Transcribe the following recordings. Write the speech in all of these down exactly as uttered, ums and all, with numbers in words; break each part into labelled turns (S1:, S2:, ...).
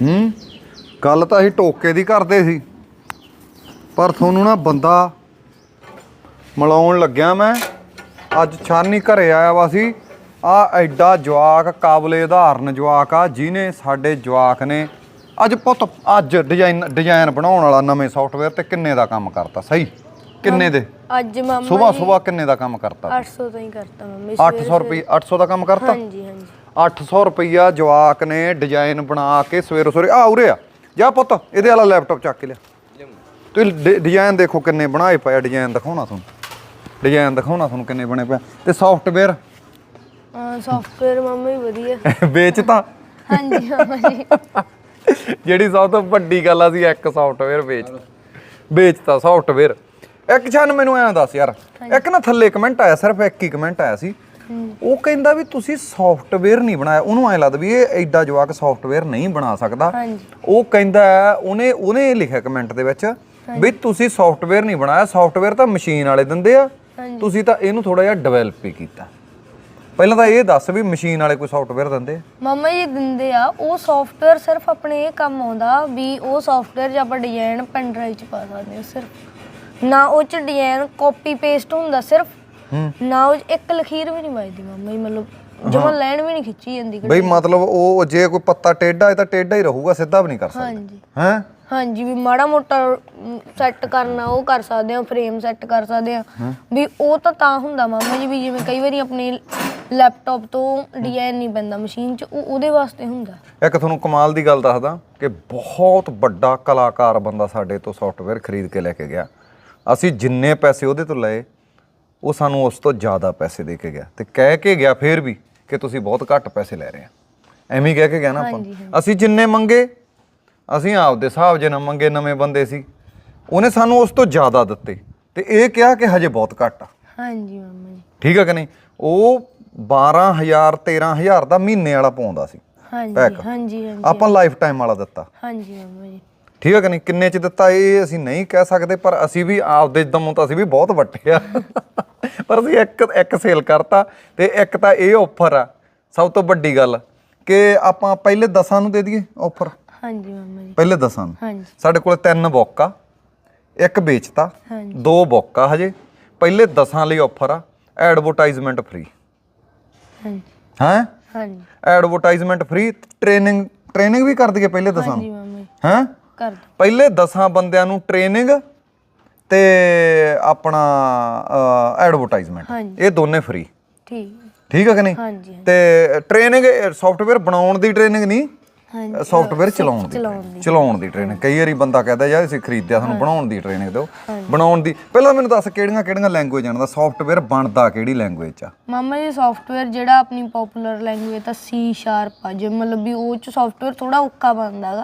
S1: ਹੂੰ ਗੱਲ ਤਾਂ ਅਸੀਂ ਟੋਕੇ ਦੀ ਕਰਦੇ ਸੀ ਪਰ ਤੁਹਾਨੂੰ ਨਾ ਬੰਦਾ ਮਿਲਾਉਣ ਲੱਗਿਆ ਮੈਂ ਅੱਜ ਛਾਨੀ ਘਰੇ ਆਇਆ ਵਾ ਸੀ ਆ ਐਡਾ ਜਵਾਕ ਕਾਬਲੇ ਉਦਾਹਰਨ ਜਵਾਕ ਆ ਜਿਹਨੇ ਸਾਡੇ ਜਵਾਕ ਨੇ ਅੱਜ ਪੁੱਤ ਅੱਜ ਡਿਜ਼ਾਈਨ ਡਿਜ਼ਾਈਨ ਬਣਾਉਣ ਵਾਲਾ ਨਵੇਂ ਸੌਫਟਵੇਅਰ ਤੇ ਕਿੰਨੇ ਦਾ ਕੰਮ ਕਰਤਾ ਸਹੀ ਕਿੰਨੇ ਦੇ
S2: ਅੱਜ ਮਾਮਾ
S1: ਸਵੇਰ ਸਵੇਰ ਕਿੰਨੇ ਦਾ ਕੰਮ ਕਰਤਾ
S2: ਅੱਠ ਸੌ ਦਾ ਹੀ ਕਰਤਾ ਮੰਮੀ
S1: ਅੱਠ ਸੌ ਰੁਪਏ ਅੱਠ ਸੌ ਦਾ ਕੰਮ ਕਰਤਾ
S2: ਹਾਂਜੀ ਹਾਂਜੀ
S1: ਅੱਠ ਸੌ ਰੁਪਈਆ ਜਵਾਕ ਨੇ ਡਿਜ਼ਾਈਨ ਬਣਾ ਕੇ ਸਵੇਰੇ ਸਵੇਰੇ ਆ ਉਰੇ ਆ ਜਾ ਪੁੱਤ ਇਹਦੇ ਵਾਲਾ ਲੈਪਟਾਪ ਚੱਕ ਕੇ ਲਿਆ ਤੁਸੀਂ ਡਿਜ਼ਾਈਨ ਦੇਖੋ ਕਿੰਨੇ ਬਣਾਏ ਪਏ ਡਿਜ਼ਾਈਨ ਦਿਖਾਉਣਾ ਤੁਹਾਨੂੰ ਡਿਜ਼ਾਈਨ ਦਿਖਾਉਣਾ ਤੁਹਾਨੂੰ ਕਿੰਨੇ ਬਣੇ ਪਏ ਤੇ ਸੌਫਟਵੇਅਰ
S2: ਹਾਂ ਸੌਫਟਵੇਅਰ ਮਾਮਾ ਹੀ ਵਧੀਆ
S1: ਵੇਚਤਾ
S2: ਹਾਂਜੀ ਮਾਮਾ ਜੀ
S1: ਜਿਹੜੀ ਸਭ ਤੋਂ ਵੱਡੀ ਗੱਲ ਆ ਸੀ ਇੱਕ ਸੌਫਟਵੇਅਰ ਵੇਚ ਵੇਚਤਾ ਸੌਫਟਵੇਅਰ ਇੱਕ ਛਨ ਮੈਨੂੰ ਐਂ ਦੱਸ ਯਾਰ ਇੱਕ ਨਾ ਥੱਲੇ ਕਮੈਂਟ ਆਇਆ ਸਿਰਫ ਇੱਕ ਹੀ ਕਮੈਂਟ ਆਇਆ ਸੀ ਉਹ ਕਹਿੰਦਾ ਵੀ ਤੁਸੀਂ ਸੌਫਟਵੇਅਰ ਨਹੀਂ ਬਣਾਇਆ ਉਹਨੂੰ ਐਂ ਲੱਗਦਾ ਵੀ ਇਹ ਐਡਾ ਜਵਾਕ ਸੌਫਟਵੇਅਰ ਨਹੀਂ ਬਣਾ ਸਕਦਾ ਉਹ ਕਹਿੰਦਾ ਉਹਨੇ ਉਹਨੇ ਲਿਖਿਆ ਕਮੈਂਟ ਦੇ ਵਿੱਚ ਵੀ ਤੁਸੀਂ ਸੌਫਟਵੇਅਰ ਨਹੀਂ ਬਣਾਇਆ ਸੌਫਟਵੇਅਰ ਤਾਂ ਮਸ਼ੀਨ ਵਾਲੇ ਦਿੰਦੇ ਆ ਤੁਸੀਂ ਤਾਂ ਇਹਨੂੰ ਥੋੜਾ ਜਿਹਾ ਡਿਵੈਲਪ ਹੀ ਕੀਤਾ ਪਹਿਲਾਂ ਤਾਂ ਇਹ ਦੱਸ ਵੀ ਮਸ਼ੀਨ ਵਾਲੇ ਕੋਈ ਸੌਫਟਵੇਅਰ ਦਿੰਦੇ ਆ
S2: ਮਾਮਾ ਜੀ ਦਿੰਦੇ ਆ ਉਹ ਸੌਫਟਵੇਅਰ ਸਿਰਫ ਆਪਣੇ ਇਹ ਕੰਮ ਆਉਂਦਾ ਵੀ ਉਹ ਸੌਫਟਵੇਅਰ 'ਚ ਆਪਾਂ ਡਿਜ਼ਾਈਨ ਪੈਨ ਡਰਾਈਵ 'ਚ ਪਾ ਸਕਦੇ ਹਾਂ ਸਿਰਫ ਨਾ ਉਹ 'ਚ ਡਿਜ਼ਾਈਨ ਕਾਪੀ ਪੇਸਟ ਹੁੰਦਾ ਸਿਰਫ ਨਾ ਉਹ ਇੱਕ ਲਖੀਰ ਵੀ ਨਹੀਂ ਵੱਜਦੀ ਮਾਮਾ ਜੀ ਮਤਲਬ ਜਮਾਂ ਲਾਈਨ ਵੀ ਨਹੀਂ ਖਿੱਚੀ ਜਾਂਦੀ
S1: ਬਈ ਮਤਲਬ ਉਹ ਜੇ ਕੋਈ ਪੱਤਾ ਟੇਢਾ ਹੈ ਤਾਂ ਟੇਢਾ ਹੀ ਰਹੂਗਾ ਸਿੱਧਾ ਵੀ ਨਹੀਂ ਕਰ ਸਕਦਾ
S2: ਹਾਂਜੀ
S1: ਹੈ
S2: ਹਾਂਜੀ ਵੀ ਮਾੜਾ ਮੋਟਾ ਸੈੱਟ ਕਰਨਾ ਉਹ ਕਰ ਸਕਦੇ ਆ ਫਰੇਮ ਸੈੱਟ ਕਰ ਸਕਦੇ ਆ ਵੀ ਉਹ ਤਾਂ ਤਾਂ ਹੁੰਦਾ ਮਾਮਾ ਜੀ ਵੀ ਜਿਵੇਂ ਕਈ ਵਾਰੀ ਆਪਣੇ ਲੈਪਟਾਪ ਤੋਂ ਡਿਜ਼ਾਈਨ ਨਹੀਂ ਪੈਂਦਾ ਮਸ਼ੀਨ 'ਚ ਉਹ ਉਹਦੇ ਵਾਸਤੇ ਹੁੰਦਾ
S1: ਇੱਕ ਤੁਹਾਨੂੰ ਕਮਾਲ ਦੀ ਗੱਲ ਦੱਸਦਾ ਕਿ ਬਹੁਤ ਵੱਡਾ ਕਲਾਕਾਰ ਬੰਦਾ ਸਾਡੇ ਤੋਂ ਸੌਫਟਵੇਅਰ ਖਰੀਦ ਕੇ ਲੈ ਕੇ ਗਿਆ ਅਸੀਂ ਜਿੰਨੇ ਪੈਸੇ ਉਹਦੇ ਤੋਂ ਲਏ ਉਹ ਸਾਨੂੰ ਉਸ ਤੋਂ ਜ਼ਿਆਦਾ ਪੈਸੇ ਦੇ ਕੇ ਗਿਆ ਤੇ ਕਹਿ ਕੇ ਗਿਆ ਫੇਰ ਵੀ ਕਿ ਤੁਸੀਂ ਬਹੁਤ ਘੱਟ ਪੈਸੇ ਲੈ ਰਹੇ ਆ ਐਵੇਂ ਕਹਿ ਕੇ ਗਿਆ ਨਾ ਆਪਾਂ ਅਸੀਂ ਜਿੰਨੇ ਮੰਗੇ ਅਸੀਂ ਆਪਦੇ ਹਿਸਾਬ ਜੇ ਨਾ ਮੰਗੇ ਨਵੇਂ ਬੰਦੇ ਸੀ ਉਹਨੇ ਸਾਨੂੰ ਉਸ ਤੋਂ ਜ਼ਿਆਦਾ ਦਿੱਤੇ ਤੇ ਇਹ ਕਿਹਾ ਕਿ ਹਜੇ ਬਹੁਤ ਘੱਟ ਆ
S2: ਹਾਂਜੀ ਮਾਮਾ ਜੀ
S1: ਠੀਕ ਆ ਕਿ ਨਹੀਂ ਉਹ ਬਾਰਾਂ ਹਜ਼ਾਰ ਤੇਰਾਂ ਹਜ਼ਾਰ ਦਾ ਮਹੀਨੇ ਵਾਲਾ ਪਾਉਂਦਾ ਸੀ
S2: ਹਾਂਜੀ ਹਾਂਜੀ ਹਾਂਜੀ
S1: ਆਪਾਂ ਲਾਈਫ ਟਾਈਮ ਵਾਲਾ ਦਿੱਤਾ
S2: ਹਾਂਜੀ ਮਾਮਾ ਜੀ
S1: ਠੀਕ ਹੈ ਕਿ ਨਹੀਂ ਕਿੰਨੇ ਚ ਦਿੱਤਾ ਇਹ ਅਸੀਂ ਨਹੀਂ ਕਹਿ ਸਕਦੇ ਪਰ ਅਸੀਂ ਵੀ ਆਪਦੇ ਦਮੋਂ ਤਾਂ ਅਸੀਂ ਵੀ ਬਹੁਤ ਵੱਟੇ ਆ ਪਰ ਅਸੀਂ ਇੱਕ ਇੱਕ ਸੇਲ ਕਰਤਾ ਤੇ ਇੱਕ ਤਾਂ ਇਹ ਆਫਰ ਆ ਸਭ ਤੋਂ ਵੱਡੀ ਗੱਲ ਕਿ ਆਪਾਂ ਪਹਿਲੇ ਦਸਾਂ ਨੂੰ ਦੇ ਦਈਏ ਆਫਰ
S2: ਹਾਂਜੀ ਮਾਮਾ ਜੀ
S1: ਪਹਿਲੇ ਦਸਾਂ ਨੂੰ
S2: ਹਾਂਜੀ
S1: ਸਾਡੇ ਕੋਲ ਤਿੰਨ ਬੁੱਕ ਆ ਇੱਕ ਵੇਚਤਾ ਦੋ ਬੁੱਕ ਆ ਹਜੇ ਪਹਿਲੇ ਦਸਾਂ ਲਈ ਆਫਰ ਆ ਐਡਵਰਟਾਈਜ਼ਮੈਂਟ ਫ੍ਰੀ
S2: ਹਾਂਜੀ
S1: ਹੈ
S2: ਹਾਂਜੀ
S1: ਐਡਵਰਟਾਈਜ਼ਮੈਂਟ ਫ੍ਰੀ ਟ੍ਰੇਨਿੰਗ ਟ੍ਰੇਨਿੰਗ ਵੀ ਕਰ ਦਈਏ ਪਹਿਲੇ ਦਸਾਂ
S2: ਹਾਂਜੀ
S1: ਨੂੰ
S2: ਮਾਮਾ ਜੀ
S1: ਹੈ
S2: ਕਰ
S1: ਪਹਿਲੇ ਦਸਾਂ ਬੰਦਿਆਂ ਨੂੰ ਟ੍ਰੇਨਿੰਗ ਤੇ ਆਪਣਾ ਐਡਵਰਟਾਈਜ਼ਮੈਂਟ ਇਹ ਦੋਨੇ ਫ੍ਰੀ
S2: ਠੀਕ
S1: ਠੀਕ ਹੈ ਕਿ ਨਹੀਂ
S2: ਹਾਂਜੀ
S1: ਤੇ ਟ੍ਰੇਨਿੰਗ ਸੌਫਟਵੇਅਰ ਬਣਾਉਣ ਦੀ ਟ੍ਰੇਨਿੰਗ ਨਹੀਂ ਸੌਫਟਵੇਅਰ ਚਲਾਉਣ ਦੀ ਚਲਾਉਣ ਦੀ ਟ੍ਰੇਨਿੰਗ ਕਈ ਵਾਰੀ ਬੰਦਾ ਕਹਿੰਦਾ ਯਾਰ ਅਸੀਂ ਖਰੀਦਿਆ ਸਾਨੂੰ ਬਣਾਉਣ ਦੀ ਟ੍ਰੇਨਿੰਗ ਦਿਓ ਬਣਾਉਣ ਦੀ ਪਹਿਲਾਂ ਮੈਨੂੰ ਦੱਸ ਕਿਹੜੀਆਂ ਕਿਹੜੀਆਂ ਲੈਂਗੁਏਜ ਜਾਣਦਾ ਸੌਫਟਵੇਅਰ ਬਣਦਾ ਕਿਹੜੀ ਲੈਂਗੁਏਜ ਚ ਆ
S2: ਮਾਮਾ ਜੀ ਸੌਫਟਵੇਅਰ ਜਿਹੜਾ ਆਪਣੀ ਪਪੂਲਰ ਲੈਂਗੁਏਜ ਤਾਂ ਸੀ ਸ਼ਾਰਪ ਆ ਜੇ ਮਤਲਬ ਵੀ ਉਹ ਚ ਸੌਫਟਵੇਅਰ ਥੋੜਾ ਔਖਾ ਬਣਦਾ ਹੈਗਾ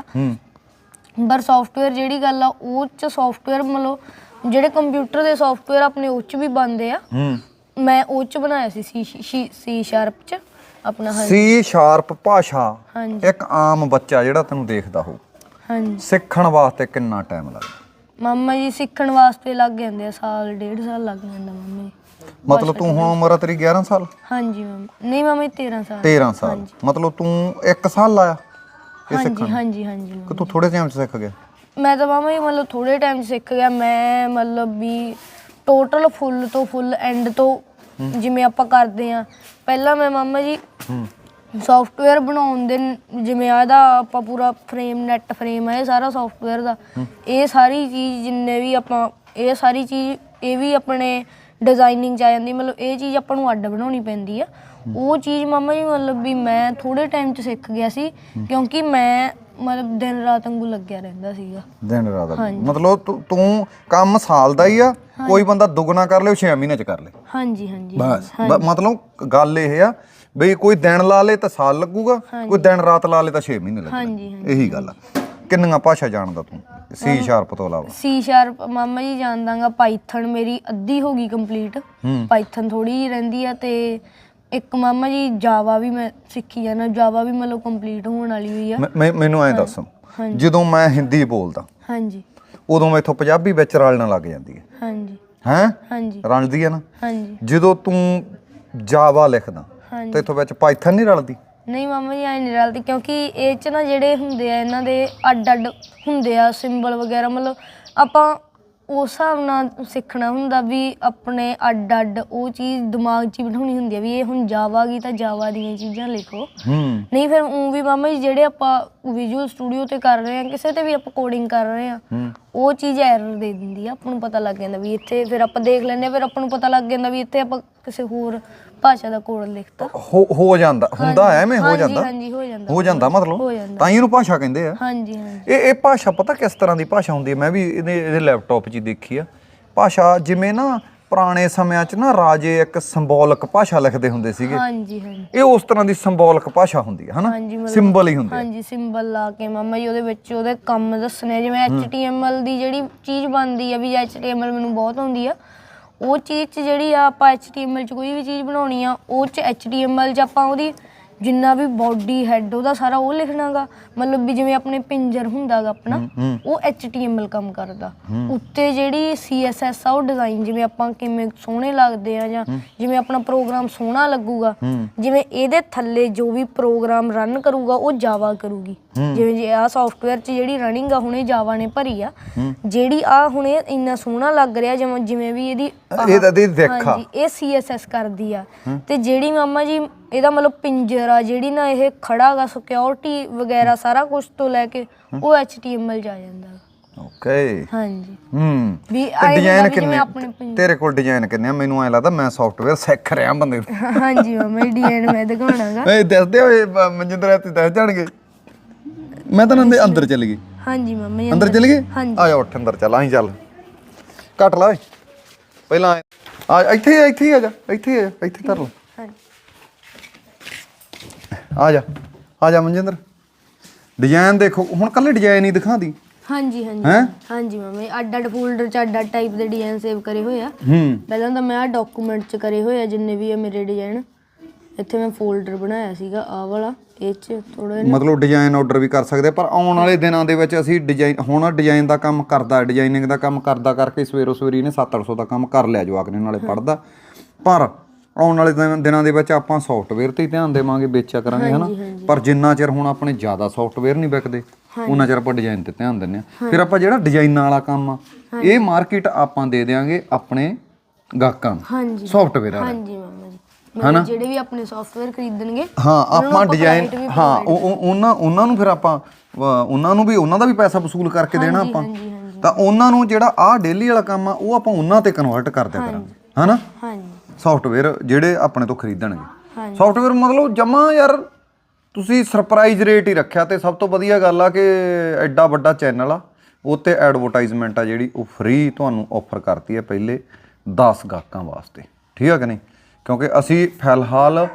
S2: ਪਰ ਸੌਫਟਵੇਅਰ ਜਿਹੜੀ ਗੱਲ ਆ ਉਹ ਚ ਸੌਫਟਵੇਅਰ ਮਤਲਬ ਜਿਹੜੇ ਕੰਪਿਊਟਰ ਦੇ ਸੌਫਟਵੇਅਰ ਆਪਣੇ ਉਹ ਚ ਵੀ ਬਣਦੇ ਆ ਮੈਂ ਉਹ ਚ ਬਣਾਇਆ ਸੀ ਸੀ ਸੀ ਸ਼ਾਰਪ ਚ ਆਪਣਾ
S1: ਸੀ ਸ਼ਾਰਪ ਭਾਸ਼ਾ ਇੱਕ ਆਮ ਬੱਚਾ ਜਿਹੜਾ ਤੈਨੂੰ ਦੇਖਦਾ ਹੋ
S2: ਹਾਂਜੀ
S1: ਸਿੱਖਣ ਵਾਸਤੇ ਕਿੰਨਾ ਟਾਈਮ ਲੱਗਦਾ
S2: ਮਾਮਾ ਜੀ ਸਿੱਖਣ ਵਾਸਤੇ ਲੱਗ ਜਾਂਦੇ ਆ ਸਾਲ ਡੇਢ ਸਾਲ ਲੱਗ ਜਾਂਦਾ ਮਾਮਾ ਜੀ
S1: ਮਤਲਬ ਤੂੰ ਹੁਣ ਉਮਰ ਆ ਤੇਰੀ ਗਿਆਰਾਂ ਸਾਲ
S2: ਹਾਂਜੀ ਮਾਮਾ ਨਹੀਂ ਮਾਮਾ ਜੀ ਤੇਰਾਂ ਸਾਲ
S1: ਤੇਰਾਂ ਸਾਲ ਮਤਲਬ ਤੂੰ ਇੱਕ ਸਾਲ ਲਾਇਆ
S2: ਹਾਂਜੀ ਹਾਂਜੀ ਹਾਂਜੀ
S1: ਕਿ ਤੂੰ ਥੋੜੇ ਟਾਈਮ ਚ ਸਿੱਖ ਗਿਆ
S2: ਮੈਂ ਤਾਂ ਮਾਮਾ ਜੀ ਮਤਲਬ ਥੋੜੇ ਟਾਈਮ ਚ ਸਿੱਖ ਗਿਆ ਮੈਂ ਮਤਲਬ ਵੀ ਟੋਟਲ ਫੁੱਲ ਤੋਂ ਫੁੱਲ ਐਂਡ ਤੋਂ ਜਿਵੇਂ ਆਪਾਂ ਕਰਦੇ ਆ ਪਹਿਲਾਂ ਮੈਂ ਮਾਮਾ ਜੀ ਸੌਫਟਵੇਅਰ ਬਣਾਉਣ ਦੇ ਜਿਵੇਂ ਇਹਦਾ ਆਪਾਂ ਪੂਰਾ ਫਰੇਮ ਨੈਟ ਫਰੇਮ ਹੈ ਇਹ ਸਾਰਾ ਸੌਫਟਵੇਅਰ ਦਾ ਇਹ ਸਾਰੀ ਚੀਜ਼ ਜਿੰਨੇ ਵੀ ਆਪਾਂ ਇਹ ਸਾਰੀ ਚੀਜ਼ ਇਹ ਵੀ ਆਪਣੇ ਡਿਜ਼ਾਈਨਿੰਗ 'ਚ ਆ ਜਾਂਦੀ ਮਤਲਬ ਇਹ ਚੀਜ਼ ਆਪਾਂ ਨੂੰ ਅੱਡ ਬਣਾਉਣੀ ਪੈਂਦੀ ਆ ਉਹ ਚੀਜ਼ ਮਾਮਾ ਜੀ ਮਤਲਬ ਵੀ ਮੈਂ ਥੋੜੇ ਟਾਈਮ 'ਚ ਸਿੱਖ ਗਿਆ ਸੀ ਕਿਉਂਕਿ ਮੈਂ ਮਤਲਬ ਦਿਨ ਰਾਤ ਵਾਂਗੂ ਲੱਗਿਆ ਰਹਿੰਦਾ ਸੀਗਾ
S1: ਦਿਨ ਰਾਤ ਮਤਲਬ ਤੂੰ ਕੰਮ ਸਾਲ ਦਾ ਹੀ ਆ ਕੋਈ ਬੰਦਾ ਦੁੱਗਣਾ ਕਰ ਲੇ ਛੇ ਮਹੀਨੇ ਚ ਕਰ ਲੇ
S2: ਹਾਂਜੀ ਹਾਂਜੀ
S1: ਬਸ ਮਤਲਬ ਗੱਲ ਇਹ ਆ ਬਈ ਕੋਈ ਦਿਨ ਲਾ ਲੇ ਤਾਂ ਸਾਲ ਲੱਗੂਗਾ ਕੋਈ ਦਿਨ ਰਾਤ ਲਾ ਲੇ ਤਾਂ ਛੇ ਮਹੀਨੇ ਲੱਗਣਗੇ ਇਹੀ ਗੱਲ ਆ ਕਿੰਨੀਆਂ ਭਾਸ਼ਾ ਜਾਣਦਾ ਤੂੰ ਸੀ ਸ਼ਾਰਪ ਤੋਂ ਇਲਾਵਾ
S2: ਸੀ ਸ਼ਾਰਪ ਮਾਮਾ ਜੀ ਜਾਣਦਾਗਾ ਪਾਈਥਨ ਮੇਰੀ ਅੱਧੀ ਹੋ ਗਈ ਕੰਪਲੀਟ ਪਾਈਥਨ ਥੋੜੀ ਜਿਹੀ ਰਹਿੰਦੀ ਆ ਤੇ ਇੱਕ ਮਾਮਾ ਜੀ ਜਾਵਾ ਵੀ ਮੈਂ ਸਿੱਖੀ ਜਾਣਾ ਜਾਵਾ ਵੀ ਮਤਲਬ ਕੰਪਲੀਟ ਹੋਣ ਵਾਲੀ ਹੋਈ ਆ
S1: ਮੈਨੂੰ ਐਂ ਦੱਸ ਜਦੋਂ ਮੈਂ ਹਿੰਦੀ ਬੋਲਦਾ
S2: ਹਾਂਜੀ
S1: ਉਦੋਂ ਮੈਥੋਂ ਪੰਜਾਬੀ ਵਿੱਚ ਰਲਣ ਲੱਗ ਜਾਂਦੀ ਹੈ
S2: ਹਾਂਜੀ
S1: ਹੈਂ
S2: ਹਾਂਜੀ
S1: ਰਲਦੀ ਹੈ ਨਾ
S2: ਹਾਂਜੀ
S1: ਜਦੋਂ ਤੂੰ ਜਾਵਾ ਲਿਖਦਾ ਤੇ ਇਥੋਂ ਵਿੱਚ ਪਾਈਥਨ ਨਹੀਂ ਰਲਦੀ
S2: ਨਹੀਂ ਮਾਮਾ ਜੀ ਐ ਨਹੀਂ ਰਲਦੀ ਕਿਉਂਕਿ ਇਹ 'ਚ ਨਾ ਜਿਹੜੇ ਹੁੰਦੇ ਆ ਇਹਨਾਂ ਦੇ ਅੱਡ ਅੱਡ ਹੁੰਦੇ ਆ ਸਿੰਬਲ ਵਗੈਰਾ ਮਤਲਬ ਆਪਾਂ ਉਸ ਹਿਸਾਬ ਨਾਲ ਸਿੱਖਣਾ ਹੁੰਦਾ ਵੀ ਆਪਣੇ ਅੱਡ ਅੱਡ ਉਹ ਚੀਜ਼ ਦਿਮਾਗ 'ਚ ਹੀ ਬਿਠਾਉਣੀ ਹੁੰਦੀ ਆ ਵੀ ਇਹ ਹੁਣ ਜਾਵਾ ਗਈ ਤਾਂ ਜਾਵਾ ਦੀਆਂ ਚੀਜ਼ਾਂ ਲਿਖੋ ਨਹੀਂ ਫਿਰ ਊਂ ਵੀ ਮਾਮਾ ਜੀ ਜਿਹੜੇ ਆਪਾਂ ਵਿਜ਼ੂਅਲ ਸਟੂਡੀਓ ਤੇ ਕਰ ਰਹੇ ਆ ਕਿਸੇ ਤੇ ਵੀ ਆਪਾਂ ਕੋਡਿੰਗ ਕਰ ਰਹੇ ਆ ਉਹ ਚੀਜ਼ ਐਰਰ ਦੇ ਦਿੰਦੀ ਆ ਆਪਾਂ ਨੂੰ ਪਤਾ ਲੱਗ ਜਾਂਦਾ ਵੀ ਇੱਥੇ ਫਿਰ ਆਪਾਂ ਦੇਖ ਲੈਂਦੇ ਫਿਰ ਆਪਾਂ ਨੂੰ ਪਤਾ ਲੱਗ ਜਾਂਦਾ ਵੀ ਇੱਥੇ ਆਪਾਂ ਕਿਸੇ ਹੋਰ ਭਾਸ਼ਾ ਦਾ ਕੋਡ ਲਿਖਤਾ
S1: ਹੋ ਜਾਂਦਾ ਹੁੰਦਾ ਐਵੇਂ ਹੋ ਜਾਂਦਾ
S2: ਹਾਂਜੀ ਹੋ ਜਾਂਦਾ
S1: ਹੋ ਜਾਂਦਾ ਮਤਲਬ ਤਾਂ ਹੀ ਇਹਨੂੰ ਭਾਸ਼ਾ ਕਹਿੰਦੇ ਆ
S2: ਹਾਂਜੀ ਹਾਂਜੀ
S1: ਇਹ ਇਹ ਭਾਸ਼ਾ ਪਤਾ ਕਿਸ ਤਰ੍ਹਾਂ ਦੀ ਭਾਸ਼ਾ ਹੁੰਦੀ ਹੈ ਮੈਂ ਵੀ ਇਹਦੇ ਇਹਦੇ ਲੈਪਟਾਪ 'ਚ ਹੀ ਦੇਖੀ ਆ ਭਾਸ਼ਾ ਜਿਵੇਂ ਨਾ ਪੁਰਾਣੇ ਸਮਿਆਂ 'ਚ ਨਾ ਰਾਜੇ ਇੱਕ ਸਿੰਬੋਲਿਕ ਭਾਸ਼ਾ ਲਿਖਦੇ ਹੁੰਦੇ ਸੀਗੇ
S2: ਹਾਂਜੀ ਹਾਂਜੀ
S1: ਇਹ ਉਸ ਤਰ੍ਹਾਂ ਦੀ ਸਿੰਬੋਲਿਕ ਭਾਸ਼ਾ ਹੁੰਦੀ ਹੈ ਹਨਾ ਸਿੰਬਲ ਹੀ ਹੁੰਦੇ
S2: ਹਾਂਜੀ ਸਿੰਬਲ ਲਾ ਕੇ ਮਾਮਾ ਜੀ ਉਹਦੇ ਵਿੱਚ ਉਹਦੇ ਕੰਮ ਦੱਸਣੇ ਜਿਵੇਂ ਐਚ ਟੀ ਐਮ ਐਲ ਦੀ ਜਿਹੜੀ ਚੀਜ਼ ਬਣਦੀ ਆ ਵੀ ਐਚ ਟੀ ਐਮ ਐਲ ਮੈਨੂੰ ਬਹੁਤ ਆਉਂਦੀ ਆ ਉਹ ਚੀਜ਼ 'ਚ ਜਿਹੜੀ ਆ ਆਪਾਂ ਐਚ ਟੀ ਐਮ ਐਲ 'ਚ ਕੋਈ ਵੀ ਚੀਜ਼ ਬਣਾਉਣੀ ਆ ਉਹ 'ਚ ਐਚ ਟੀ ਐਮ ਐਲ 'ਚ ਆਪਾਂ ਉਹਦੀ ਜਿੰਨਾ ਵੀ ਬੋਡੀ ਹੈਡ ਉਹਦਾ ਸਾਰਾ ਉਹ ਲਿਖਣਾ ਗਾ ਮਤਲਬ ਵੀ ਜਿਵੇਂ ਆਪਣੇ ਪਿੰਜਰ ਹੁੰਦਾ ਗਾ ਆਪਣਾ ਉਹ ਐਚ ਟੀ ਐਮ ਐਲ ਕੰਮ ਕਰਦਾ ਉੱਤੇ ਜਿਹੜੀ ਸੀ ਐਸ ਐਸ ਆ ਉਹ ਡਿਜ਼ਾਈਨ ਜਿਵੇਂ ਆਪਾਂ ਕਿਵੇਂ ਸੋਹਣੇ ਲੱਗਦੇ ਆ ਜਾਂ ਜਿਵੇਂ ਆਪਣਾ ਪ੍ਰੋਗਰਾਮ ਸੋਹਣਾ ਲੱਗੂਗਾ ਜਿਵੇਂ ਇਹਦੇ ਥੱਲੇ ਜੋ ਵੀ ਪ੍ਰੋਗਰਾਮ ਰਨ ਕਰੂਗਾ ਉਹ ਜਾਵਾ ਕਰੂਗੀ ਜਿਵੇਂ ਜੇ ਆਹ ਸੌਫਟਵੇਅਰ 'ਚ ਜਿਹੜੀ ਰਨਿੰਗ ਆ ਹੁਣੇ ਜਾਵਾ ਨੇ ਭਰੀ ਆ ਜਿਹੜੀ ਆ ਹੁਣ ਇਹ ਇੰਨਾ ਸੋਹਣਾ ਲੱਗ ਰਿਹਾ ਜਿਵੇਂ ਜਿਵੇਂ ਵੀ ਇਹਦੀ ਹਾਂਜੀ ਇਹ ਸੀ ਐਸ ਐਸ ਕਰਦੀ ਆ ਤੇ ਜਿਹੜੀ ਮਾਮਾ ਜੀ ਇਹਦਾ ਮਤਲਬ ਪਿੰਜਰ ਆ ਜਿਹੜੀ ਨਾ ਇਹ ਖੜਾ ਗਾ ਸਿਕਿਉਰਿਟੀ ਵਗੈਰਾ ਸਾਰਾ ਕੁਝ ਤੋਂ ਲੈ ਕੇ ਉਹ ਐਚ ਟੀ ਐਮ ਐਲ 'ਚ ਆ ਜਾਂਦਾ
S1: ਓਕੇ
S2: ਹਾਂਜੀ
S1: ਹੂੰ
S2: ਵੀ
S1: ਡਿਜ਼ਾਈਨ ਕਿੰਨੇ ਤੇਰੇ ਕੋਲ ਡਿਜ਼ਾਈਨ ਕਿੰਨੇ ਆ ਮੈਨੂੰ ਐ ਲੱਗਦਾ ਮੈਂ ਸੌਫਟਵੇਅਰ ਸਿੱਖ ਰਿਹਾ ਬੰਦੇ
S2: ਹਾਂਜੀ ਮਾਮਾ ਜੀ ਡਿਜ਼ਾਈਨ ਮੈਂ ਦਿਖਾਉਣਾਗਾ
S1: ਏ ਦੱਸਦੇ ਹੋਏ ਮਨਜਿੰਦਰ ਇੱਥੇ ਦੱਸ ਜਾਣਗੇ ਮੈਂ ਤਾਂ ਨੰਦੇ ਅੰਦਰ ਚਲ ਗਈ
S2: ਹਾਂਜੀ ਮਾਮਾ ਜੀ
S1: ਅੰਦਰ ਚਲ ਗਏ ਆ ਜਾ ਉੱਠ ਅੰਦਰ ਚੱਲ ਆਹੀਂ ਚੱਲ ਕੱਟ ਲਾ ਓਏ ਪਹਿਲਾਂ ਆ ਇੱਥੇ ਇੱਥੇ ਆ ਜਾ ਇੱਥੇ ਆ ਇੱਥੇ ਧਰ ਲਾ ਆ ਜਾ ਆ ਜਾ ਮਨਜਿੰਦਰ ਡਿਜ਼ਾਈਨ ਦੇਖੋ ਹੁਣ ਕੱਲੇ ਡਿਜ਼ਾਈਨ ਹੀ ਦਿਖਾਉਂਦੀ
S2: ਹਾਂਜੀ ਹਾਂਜੀ ਹਾਂਜੀ ਮਾਮੇ ਅੱਡ ਅੱਡ ਫੋਲਡਰ 'ਚ ਅੱਡ ਅੱਡ ਟਾਈਪ ਦੇ ਡਿਜ਼ਾਈਨ ਸੇਵ ਕਰੇ ਹੋਏ ਆ ਪਹਿਲਾਂ ਤਾਂ ਮੈਂ ਆ ਡਾਕੂਮੈਂਟ 'ਚ ਕਰੇ ਹੋਏ ਆ ਜਿੰਨੇ ਵੀ ਆ ਮੇਰੇ ਡਿਜ਼ਾਈਨ ਇੱਥੇ ਮੈਂ ਫੋਲਡਰ ਬਣਾਇਆ ਸੀਗਾ ਆਹ ਵਾਲਾ ਇਹ 'ਚ ਥੋੜਾ
S1: ਮਤਲਬ ਡਿਜ਼ਾਈਨ ਆਰਡਰ ਵੀ ਕਰ ਸਕਦੇ ਪਰ ਆਉਣ ਵਾਲੇ ਦਿਨਾਂ ਦੇ ਵਿੱਚ ਅਸੀਂ ਡਿਜ਼ਾਈਨ ਹੁਣ ਡਿਜ਼ਾਈਨ ਦਾ ਕੰਮ ਕਰਦਾ ਡਿਜ਼ਾਈਨਿੰਗ ਦਾ ਕੰਮ ਕਰਦਾ ਕਰਕੇ ਸਵੇਰੋ ਸਵੇਰੀ ਨੇ ਸੱਤ ਅੱਠ ਸੌ ਦਾ ਕੰਮ ਕਰ ਲਿਆ ਜਵਾਕ ਨੇ ਨਾਲੇ ਪੜ੍ਹਦਾ ਪਰ ਆਉਣ ਵਾਲੇ ਦਿਨਾਂ ਦੇ ਵਿੱਚ ਆਪਾਂ ਸੌਫਟਵੇਅਰ ਤੇ ਹੀ ਧਿਆਨ ਦੇਵਾਂਗੇ ਵੇਚਿਆ ਕਰਾਂਗੇ ਹਨਾ ਪਰ ਜਿੰਨਾ ਚਿਰ ਹੁਣ ਆਪਣੇ ਜ਼ਿਆਦਾ ਸੌਫਟਵੇਅਰ ਨਹੀਂ ਵਿਕਦੇ ਉਹਨਾਂ ਚਿਰ ਆਪਾਂ ਡਿਜ਼ਾਈਨ ਤੇ ਧਿਆਨ ਦਿੰਦੇ ਆ ਫਿਰ ਆਪਾਂ ਜਿਹੜਾ ਡਿਜ਼ਾਈਨਾਂ ਵਾਲਾ ਕੰਮ ਆ ਇਹ ਮਾਰਕੀਟ ਆਪਾਂ ਦੇ ਦੇਵਾਂਗੇ ਆਪਣੇ ਗਾਹਕਾਂ ਨੂੰ ਸੌਫਟਵੇਅਰ ਵਾਲਾ
S2: ਹਾਂਜੀ ਮਾਮਾ ਜੀ ਹਨਾ ਜਿਹੜੇ ਵੀ ਆਪਣੇ ਸੌਫਟਵੇਅਰ ਖਰੀਦਣਗੇ
S1: ਹਾਂ ਆਪਾਂ ਡਿਜ਼ਾਈਨ ਹਾਂ ਉਹਨਾਂ ਉਹਨਾਂ ਨੂੰ ਫਿਰ ਆਪਾਂ ਉਹਨਾਂ ਨੂੰ ਵੀ ਉਹਨਾਂ ਦਾ ਵੀ ਪੈਸਾ ਵਸੂਲ ਕਰਕੇ ਦੇਣਾ ਆਪਾਂ ਤਾਂ ਉਹਨਾਂ ਨੂੰ ਜਿਹੜਾ ਆਹ ਡੇਲੀ ਵਾਲਾ ਕੰਮ ਆ ਉਹ ਆਪਾਂ ਉਹਨਾਂ ਤੇ ਕਨਵਰਟ ਕਰ ਦਿਆ ਕਰਾਂਗੇ ਹਨਾ
S2: ਹਾਂਜੀ
S1: ਸੌਫਟਵੇਅਰ ਜਿਹੜੇ ਆਪਣੇ ਤੋਂ ਖਰੀਦਣਗੇ ਸੌਫਟਵੇਅਰ ਮਤਲਬ ਜਮਾ ਯਾਰ ਤੁਸੀਂ ਸਰਪ੍ਰਾਈਜ਼ ਰੇਟ ਹੀ ਰੱਖਿਆ ਤੇ ਸਭ ਤੋਂ ਵਧੀਆ ਗੱਲ ਆ ਕਿ ਐਡਾ ਵੱਡਾ ਚੈਨਲ ਆ ਉਹ 'ਤੇ ਐਡਵਰਟਾਈਜ਼ਮੈਂਟ ਆ ਜਿਹੜੀ ਉਹ ਫ੍ਰੀ ਤੁਹਾਨੂੰ ਆਫਰ ਕਰਤੀ ਹੈ ਪਹਿਲੇ ਦਸ ਗਾਹਕਾਂ ਵਾਸਤੇ ਠੀਕ ਆ ਕਿ ਨਹੀਂ ਕਿਉਂਕਿ ਅਸੀਂ ਫਿਲਹਾਲ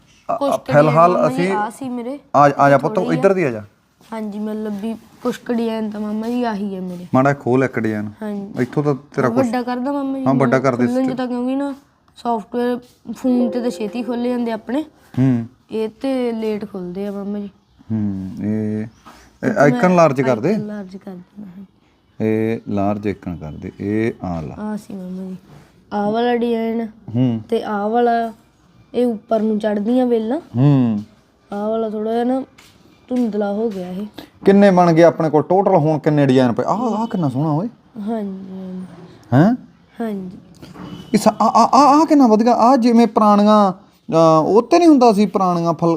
S1: ਫਿਲਹਾਲ ਅਸੀਂ ਆ ਆ ਜਾ ਪੁੱਤ ਇੱਧਰ ਦੀ ਆ ਜਾ
S2: ਹਾਂਜੀ ਮਤਲਬ ਵੀ ਕੁਛ ਡਿਜ਼ਾਈਨ ਤਾਂ ਮਾਮਾ ਜੀ ਆਹੀ ਹੈ ਮੇਰੇ
S1: ਮਾੜਾ ਖੋਲ ਇੱਕ ਡਿਜ਼ਾਈਨ
S2: ਹਾਂਜੀ
S1: ਇੱਥੋਂ ਤਾਂ ਤੇਰਾ ਕੁਛ
S2: ਵੱਡਾ ਕਰਦਾ ਮਾਮਾ ਜੀ
S1: ਹਾਂ ਵੱਡਾ ਕਰ ਦੇ
S2: ਤਾਂ ਕਿਉਂਕਿ ਨਾ ਸੌਫਟਵੇਅਰ ਫੋਨ ਤੇ ਤਾਂ ਛੇਤੀ ਖੋਲੇ ਜਾਂਦੇ ਆਪਣੇ
S1: ਹੂੰ
S2: ਇਹ ਤੇ ਲੇਟ ਖੁੱਲਦੇ ਆ ਮਾਮਾ ਜੀ
S1: ਹੂੰ ਇਹ ਆਈਕਨ ਲਾਰਜ ਕਰ ਦੇ
S2: ਲਾਰਜ ਕਰ ਦੇ
S1: ਇਹ ਲਾਰਜ ਆਈਕਨ ਕਰ ਦੇ ਇਹ ਆ ਲਾ
S2: ਆ ਸੀ ਮਾਮਾ ਜੀ ਆਹ ਵਾਲਾ ਡਿਜ਼ਾਈਨ
S1: ਹੂੰ
S2: ਤੇ ਆਹ ਵਾਲਾ ਇਹ ਉੱਪਰ ਨੂੰ ਚੜਦੀਆਂ ਵੇਲਾਂ
S1: ਹੂੰ
S2: ਆਹ ਵਾਲਾ ਥੋੜਾ ਜਿਹਾ ਨਾ ਧੁੰਦਲਾ ਹੋ ਗਿਆ ਇਹ
S1: ਕਿੰਨੇ ਬਣ ਗਏ ਆਪਣੇ ਕੋਲ ਟੋਟਲ ਹੁਣ ਕਿੰਨੇ ਡਿਜ਼ਾਈਨ ਪਏ ਆਹ ਆਹ ਕਿੰਨਾ ਸੋਹਣਾ ਓਏ
S2: ਹਾਂਜੀ
S1: ਹੈ
S2: ਹਾਂਜੀ
S1: ਇਸ ਆ ਆ ਆ ਕਿੰਨਾ ਵਧੀਆ ਆ ਜਿਵੇਂ ਪੁਰਾਣੀਆਂ ਉਹ ਤੇ ਨਹੀਂ ਹੁੰਦਾ ਸੀ ਪੁਰਾਣੀਆਂ ਫਲ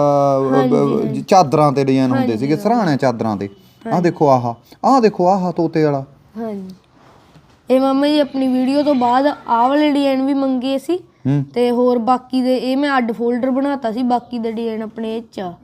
S1: ਚਾਦਰਾਂ ਤੇ ਡਿਜ਼ਾਈਨ ਹੁੰਦੇ ਸੀਗੇ ਸਰਾਣੇ ਚਾਦਰਾਂ ਤੇ ਆਹ ਦੇਖੋ ਆਹ ਆਹ ਦੇਖੋ ਆਹ ਤੋਤੇ ਵਾਲਾ
S2: ਹਾਂਜੀ ਇਹ ਮਾਮਾ ਜੀ ਆਪਣੀ ਵੀਡੀਓ ਤੋਂ ਬਾਅਦ ਆਹ ਵਾਲੇ ਡਿਜ਼ਾਈਨ ਵੀ ਮੰਗੇ ਸੀ ਤੇ ਹੋਰ ਬਾਕੀ ਦੇ ਇਹ ਮੈਂ ਅੱਡ ਫੋਲਡਰ ਬਣਾਤਾ ਸੀ ਬਾਕੀ ਦੇ ਡਿਜ਼ਾਈਨ ਆਪਣੇ ਇਹ 'ਚ ਆ